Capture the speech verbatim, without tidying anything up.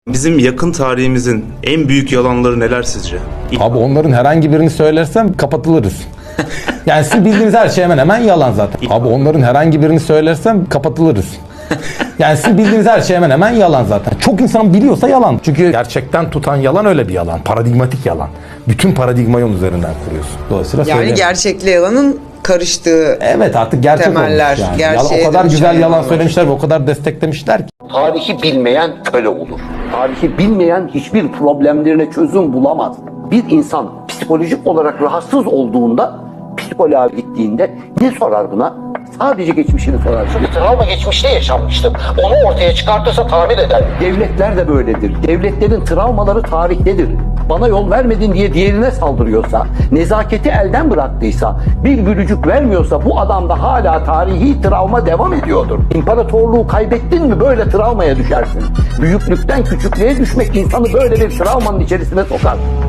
Bizim yakın tarihimizin en büyük yalanları neler sizce? Abi onların herhangi birini söylersem kapatılırız. Yani sizin bildiğiniz her şey hemen hemen yalan zaten. Abi onların herhangi birini söylersem kapatılırız. Yani sizin bildiğiniz her şey hemen hemen yalan zaten. Çok insan biliyorsa yalan. Çünkü gerçekten tutan yalan öyle bir yalan. Paradigmatik yalan. Bütün paradigmayı onun üzerinden kuruyorsun. Dolayısıyla Yani söyleyemem. gerçekle yalanın karıştığı. Evet, artık gerçek Temeller, olmuş yani. gerçeğe Yalan, o kadar dönüşen güzel yalan yalanlar. söylemişler ve o kadar desteklemişler ki. Tarihi bilmeyen köle olur. Tarihi bilmeyen hiçbir problemlerine çözüm bulamaz. Bir insan psikolojik olarak rahatsız olduğunda psikoloğa gittiğinde ne sorar buna? Sadece geçmişini sorar. Çünkü travma geçmişte yaşanmıştır. Onu ortaya çıkartırsa tamir eder. Devletler de böyledir. Devletlerin travmaları tarihtedir. Bana yol vermedin diye diğerine saldırıyorsa, nezaketi elden bıraktıysa, bir gülücük vermiyorsa bu adamda hala tarihi travma devam ediyordur. İmparatorluğu kaybettin mi böyle travmaya düşersin. Büyüklükten küçüklüğe düşmek insanı böyle bir travmanın içerisine sokar.